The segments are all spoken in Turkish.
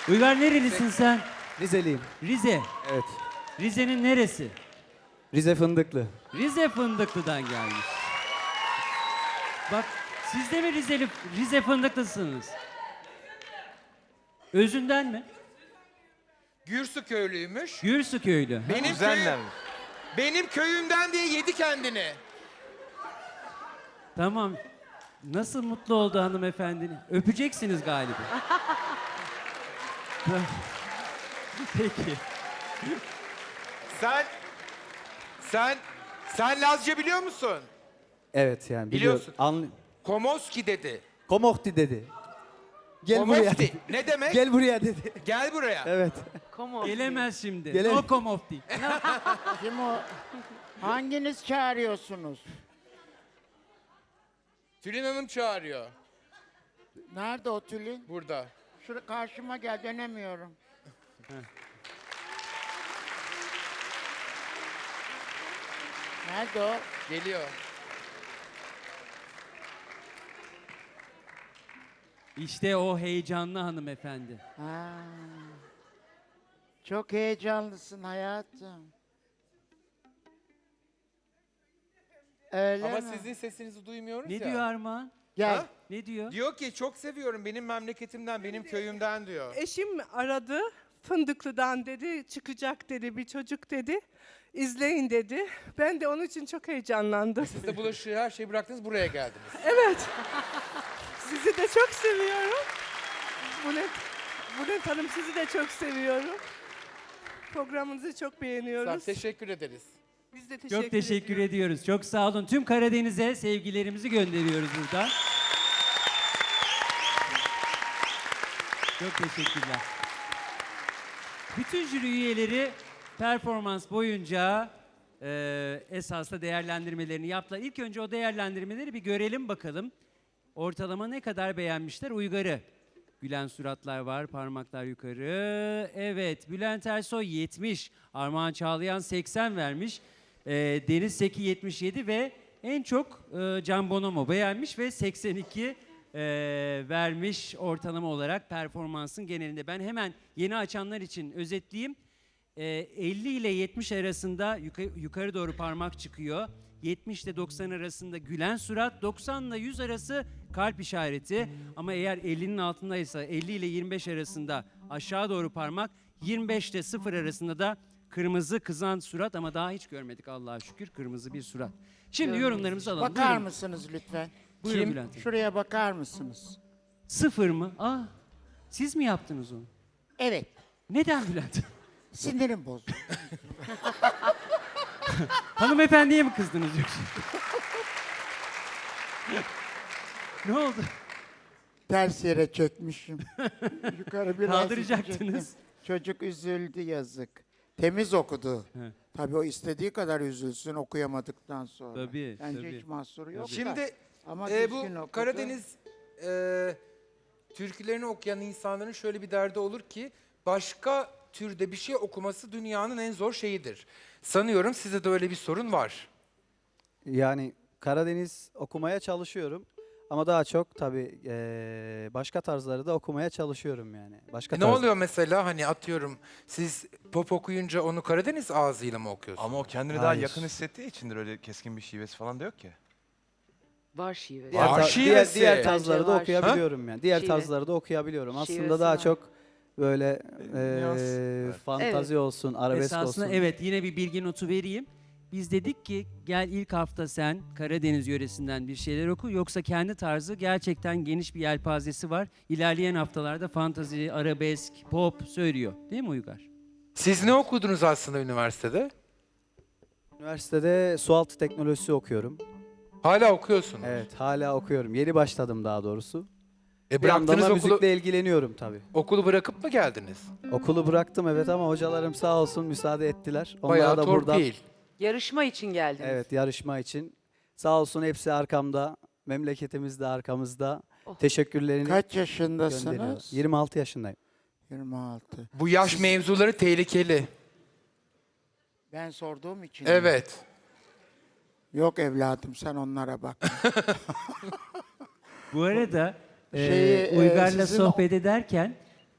Uygar nerelisin sen? Rizeliyim. Rize. Evet. Rize'nin neresi? Rize Fındıklı. Rize Fındıklı'dan gelmiş. Bak siz de mi Rize Fındıklısınız? Özünden mi? Gürsu köylüymüş. Gürsu köylü. Benim köyümden diye yedi kendini. Tamam. Nasıl mutlu oldu hanımefendinin? Öpeceksiniz galiba. Tamam. Peki. Sen Lazca biliyor musun? Evet yani Biliyorsun. biliyorum. Komoski dedi. Komohti dedi. Gel buraya Komofti. dedi. Ne demek? Gel buraya dedi. Gel buraya. Evet. Gelemez şimdi. Gelemez. No komofti. Kim o? Hanginiz çağırıyorsunuz? Tülin Hanım çağırıyor. Nerede o Tülin? Burada. Şuraya karşıma gel, dönemiyorum. Nerede o? Geliyor. İşte o heyecanlı hanımefendi. Ha. Çok heyecanlısın hayatım. Öyle Ama mi? sizin sesinizi duymuyoruz Ne ya. diyor Armağan? Gel. Ha? Ne diyor? Diyor ki çok seviyorum benim memleketimden, benim köyümden diyor. Eşim aradı. Fındıklı'dan dedi, çıkacak dedi, bir çocuk dedi. İzleyin dedi. Ben de onun için çok heyecanlandım. Siz de bulaşığı her şeyi bıraktınız buraya geldiniz. Evet. Sizi de çok seviyorum. Bülent Hanım sizi de çok seviyorum. Programınızı çok Sağ beğeniyoruz. teşekkür ederiz. Biz de teşekkür Çok teşekkür ediyoruz. ediyoruz. Çok sağ olun. Tüm Karadeniz'e sevgilerimizi gönderiyoruz buradan. Çok teşekkürler. Bütün jüri üyeleri performans boyunca esasla değerlendirmelerini yaptılar. İlk önce o değerlendirmeleri bir görelim bakalım. Ortalama ne kadar beğenmişler Uygar'ı? Gülen suratlar var, parmaklar yukarı. Evet, Bülent Ersoy 70, Armağan Çağlayan 80 vermiş. Deniz Seki 77 ve en çok Can Bonomo beğenmiş ve 82 vermiş ortalama olarak performansın genelinde. Ben hemen yeni açanlar için özetleyeyim. 50 ile 70 arasında yukarı doğru parmak çıkıyor. 70 ile 90 arasında gülen surat, 90 ile 100 arası kalp işareti. Ama eğer 50'nin altındaysa 50 ile 25 arasında aşağı doğru parmak, 25 ile 0 arasında da kırmızı kızan surat ama daha hiç görmedik Allah'a şükür kırmızı bir surat. Şimdi yorumlarımızı alalım. Bakar Buyurun. mısınız lütfen? Buyurun Bülent Hanım. Şuraya bakar mısınız? 0 mı? Siz mi yaptınız onu? Evet. Neden Bülent? Sinirim bozuldu. Hanımefendiye mi kızdınız yoksa? Ne oldu? Ters yere çökmüşüm. Yukarı biraz Kaldıracaktınız. itecektim. Çocuk üzüldü yazık. Temiz okudu. He. Tabii o istediği kadar üzülsün okuyamadıktan sonra. Tabii, Bence tabii. hiç mahsuru yok. da. Şimdi Ama bu düzgün okudu. Karadeniz türkülerini okuyan insanların şöyle bir derdi olur ki başka türde bir şey okuması dünyanın en zor şeyidir. Sanıyorum sizde de öyle bir sorun var. Yani Karadeniz okumaya çalışıyorum. Ama daha çok tabii başka tarzları da okumaya çalışıyorum yani. Başka Ne tarz- oluyor mesela hani atıyorum siz pop okuyunca onu Karadeniz ağzıyla mı okuyorsunuz? Ama o kendini daha Hayır. yakın hissettiği içindir, öyle keskin bir şivesi falan da yok ki. Var şive. Diğer, Var ta- şivesi. diğer tarzları Bence da var. okuyabiliyorum yani. Diğer Şive. tarzları da okuyabiliyorum. Aslında Şivesi daha var. çok böyle Nüans, evet. fantazi olsun, arabesk Esasında olsun. evet yine bir bilgi notu vereyim. Biz dedik ki gel ilk hafta sen Karadeniz yöresinden bir şeyler oku. Yoksa kendi tarzı gerçekten geniş bir yelpazesi var. İlerleyen haftalarda fantazi, arabesk, pop söylüyor. Değil mi Uygar? Siz ne okudunuz aslında üniversitede? Üniversitede sualtı teknolojisi okuyorum. Hala okuyorsunuz. Evet, hala okuyorum. Yeni başladım daha doğrusu. Bir yandan Bıraktınız da okulu, müzikle ilgileniyorum tabii. okulu bırakıp mı geldiniz? Okulu bıraktım evet ama hocalarım sağ olsun müsaade ettiler. Onlara Bayağı da buradan torpil. Yarışma için geldiniz. evet yarışma için sağ olsun hepsi arkamda. Memleketimiz de arkamızda. Oh. Teşekkürlerini Kaç gönderiyor. yaşındasınız? 26 yaşındayım. 26. Bu yaş mevzuları tehlikeli. Ben sorduğum için. Evet. Yok evladım sen onlara bak. Bu arada Şeyi, Uygar'la sizin sohbet ederken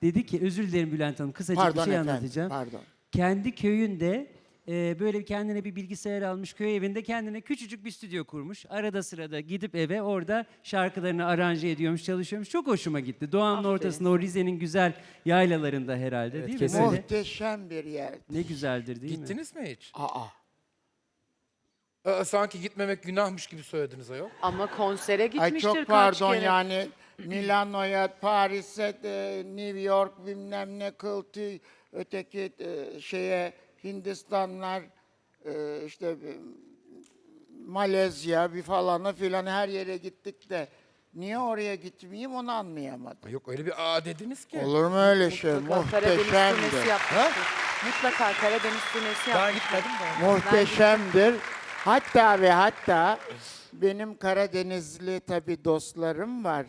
Dedi ki, özür dilerim Bülent Hanım, kısacık Pardon bir şey efendim, anlatacağım. pardon. Kendi köyünde böyle kendine bir bilgisayar almış, köy evinde kendine küçücük bir stüdyo kurmuş. Arada sırada gidip eve orada şarkılarını aranje ediyormuş, çalışıyormuş. Çok hoşuma gitti. Doğanın Aferin. ortasında, o Rize'nin güzel yaylalarında herhalde, Evet, değil mi? kesinlikle. Böyle Muhteşem bir yer. ne güzeldir değil mi? Gittiniz mi hiç? Aa. Sanki gitmemek günahmış gibi söylediniz ayol. Ama konsere Ay gitmiştir çok kaç pardon kere. yani Milano'ya, Paris'e, New York bilmem ne kıltı, öteki şeye Hindistanlar, işte Malezya bir falana filan her yere gittik de niye oraya gitmeyeyim onu anlayamadım. Yok öyle bir dediniz ki. Olur mu öyle şey? Mutlaka Karadeniz Muhteşemdir. turnesi yapmıştır. Mutlaka Karadeniz turnesi Ben yapmıştır. gitmedim de. Muhteşemdir. Hatta ve hatta benim Karadenizli tabii dostlarım var,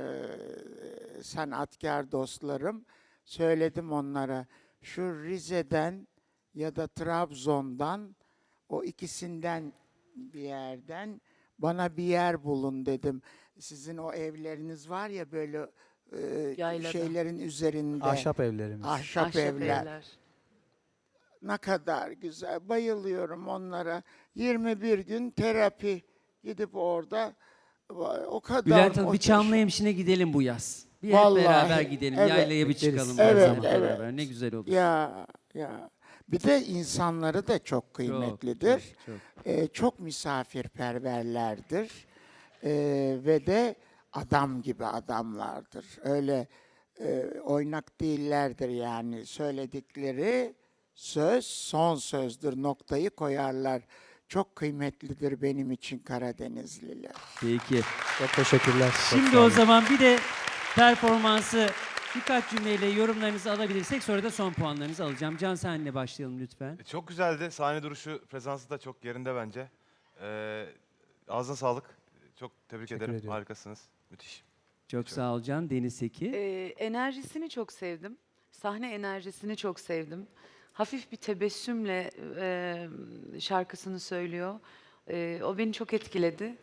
sanatkar dostlarım. Söyledim onlara, şu Rize'den ya da Trabzon'dan, o ikisinden bir yerden bana bir yer bulun dedim. Sizin o evleriniz var ya böyle Yaylada. şeylerin üzerinde. Ahşap evlerimiz. Ahşap evler. Ne kadar güzel. Bayılıyorum onlara. 21 gün terapi. Gidip orada o kadar Bülent Hanım, bir muhteşem. Çamlıhemşin'e gidelim bu yaz. Bir hep Vallahi, beraber gidelim. evet. Yaylaya bir Gideriz. çıkalım. Evet, her zaman evet. beraber. Ne güzel olur. Ya. Bir de insanları da çok kıymetlidir. çok. Çok misafirperverlerdir. Ve de adam gibi adamlardır. Öyle oynak değillerdir yani. Söyledikleri söz son sözdür. Noktayı koyarlar. Çok kıymetlidir benim için Karadenizliler. Peki. Çok teşekkürler. Çok Şimdi sağ o olun. zaman bir de performansı birkaç cümleyle yorumlarınızı alabilirsek sonra da son puanlarınızı alacağım. Can, senle başlayalım lütfen. Çok güzeldi. Sahne duruşu, presansı da çok yerinde bence. Ağzına sağlık. Çok tebrik Teşekkür ederim. ediyorum. Harikasınız. Müthiş. Çok sağ ol Can. Deniz Seki. Enerjisini çok sevdim. Sahne enerjisini çok sevdim. Hafif bir tebessümle şarkısını söylüyor. O beni çok etkiledi.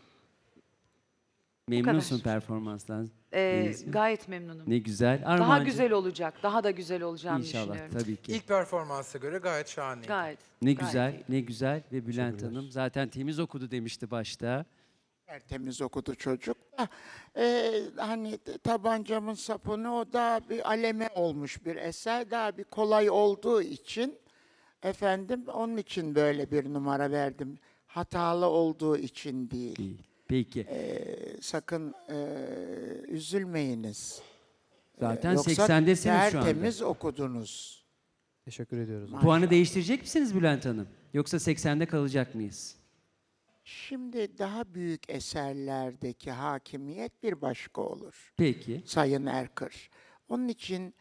Memnunsun kadar. performanstan. Deniz'ciğim. Gayet memnunum. Ne güzel. Daha Armağancığım, güzel olacak. Daha da güzel olacağını İnşallah düşünüyorum. tabii ki. İlk performansa göre gayet şahane. Gayet. Ne gayet güzel, iyi. ne güzel ve Bülent Hanım zaten temiz okudu demişti başta. Tertemiz okudu çocuk da hani tabancamın sapını o da bir aleme olmuş bir eser, daha bir kolay olduğu için efendim onun için böyle bir numara verdim. Hatalı olduğu için değil. Değil. Peki. Sakın üzülmeyiniz. Zaten Yoksa 80'desiniz şu anda. tertemiz okudunuz. Teşekkür ediyoruz. Puanı değiştirecek misiniz Bülent Hanım? Yoksa 80'de kalacak mıyız? Şimdi daha büyük eserlerdeki hakimiyet bir başka olur. Peki. Sayın Erkır. Onun için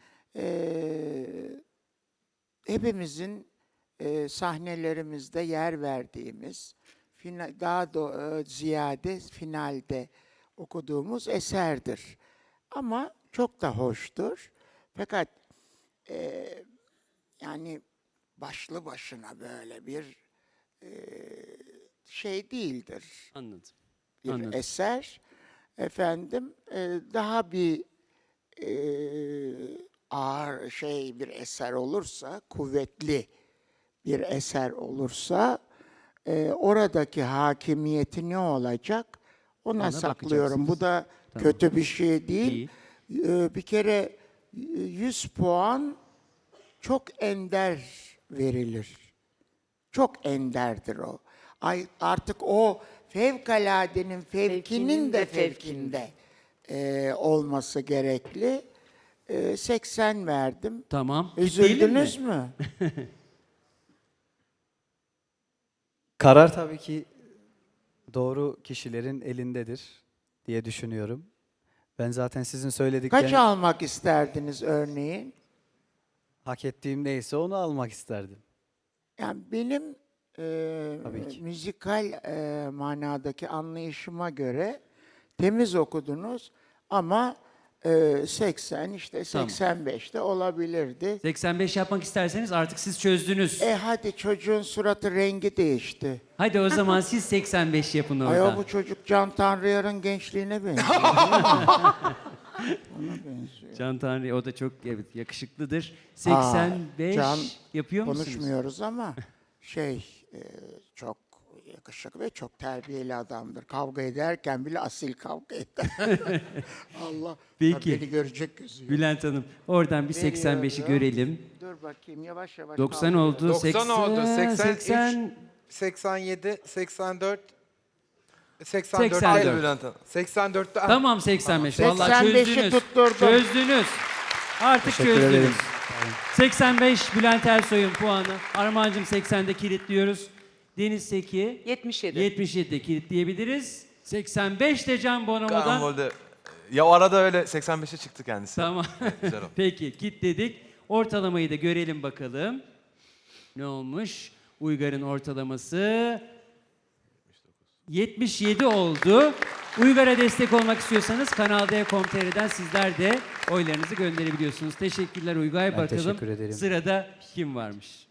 hepimizin sahnelerimizde yer verdiğimiz, daha da ziyade finalde okuduğumuz eserdir. Ama çok da hoştur. Fakat yani başlı başına böyle bir şey değildir. Anladım. Bir Anladım. eser. Efendim daha bir ağır bir eser olursa, kuvvetli bir eser olursa oradaki hakimiyeti ne olacak? Ona Ona saklıyorum. Bu da Tamam. kötü bir şey değil. Değil. Bir kere 100 puan çok ender verilir. Çok enderdir o. Artık o fevkaladenin fevkinin de fevkinde olması gerekli. 80 verdim. Tamam. Kitleyelim Üzüldünüz mi? mü? Karar tabii ki doğru kişilerin elindedir diye düşünüyorum. Ben zaten sizin Kaç söyledikleriniz almak isterdiniz örneğin? hak ettiğim neyse onu almak isterdim. Yani benim Tabii ki. müzikal manadaki anlayışıma göre temiz okudunuz ama 80 işte Tamam. 85'te olabilirdi. 85 yapmak isterseniz artık siz çözdünüz. Hadi çocuğun suratı rengi değişti. Hadi o zaman siz 85 yapın orada. Ay bu çocuk Can Tanrıyar'ın gençliğine benziyor. Ona benziyor. Can Tanrı o da çok evet, yakışıklıdır. 85 Can yapıyor musunuz? Konuşmuyoruz ama çok yakışıklı ve çok terbiyeli adamdır. Kavga ederken bile asil kavga eder. Allah Peki. beni görecek gözü yok. Bülent Hanım oradan bir 85'i Veriyorum. görelim. Dur bakayım yavaş yavaş. 90 kaldırıyorum. oldu. 90 oldu. 80, 83, 87, 84, 84. 84. Haydi Bülent Hanım. 84'te Tamam 85. Tamam. Vallahi 85'i çözdünüz. tutturdum. Çözdünüz. Artık Teşekkür çözdünüz. ederim. 85 Bülent Ersoy'un puanı. Armağan'cığım 80'de kilitliyoruz. Deniz Seki 77. 77'de kilitleyebiliriz. 85 de Can Bonomo'dan. Karambolde. Ya o arada öyle 85'e çıktı kendisi. Tamam. Güzel oldu. Peki kilitledik. Ortalamayı da görelim bakalım. Ne olmuş? Uygar'ın ortalaması 77 oldu. Uygar'a destek olmak istiyorsanız Kanal D.com.tr'den sizler de oylarınızı gönderebiliyorsunuz. Teşekkürler Uygar. Ben Bakalım teşekkür ederim. sırada kim varmış?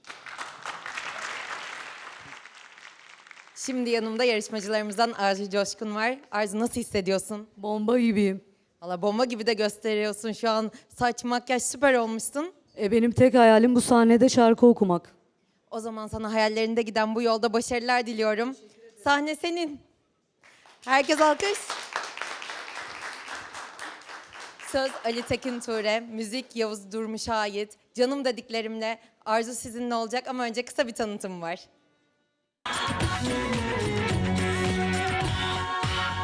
Şimdi yanımda yarışmacılarımızdan Arzu Coşkun var. Arzu nasıl hissediyorsun? Bomba gibiyim. Valla bomba gibi de gösteriyorsun şu an. Saç, makyaj süper olmuşsun. Benim tek hayalim bu sahnede şarkı okumak. O zaman sana hayallerinde giden bu yolda başarılar diliyorum. Sahne senin. Herkes alkış. Söz Ali Tekin Ture, müzik Yavuz Durmuş'a ait. Canım dediklerimle Arzu sizinle olacak ama önce kısa bir tanıtım var.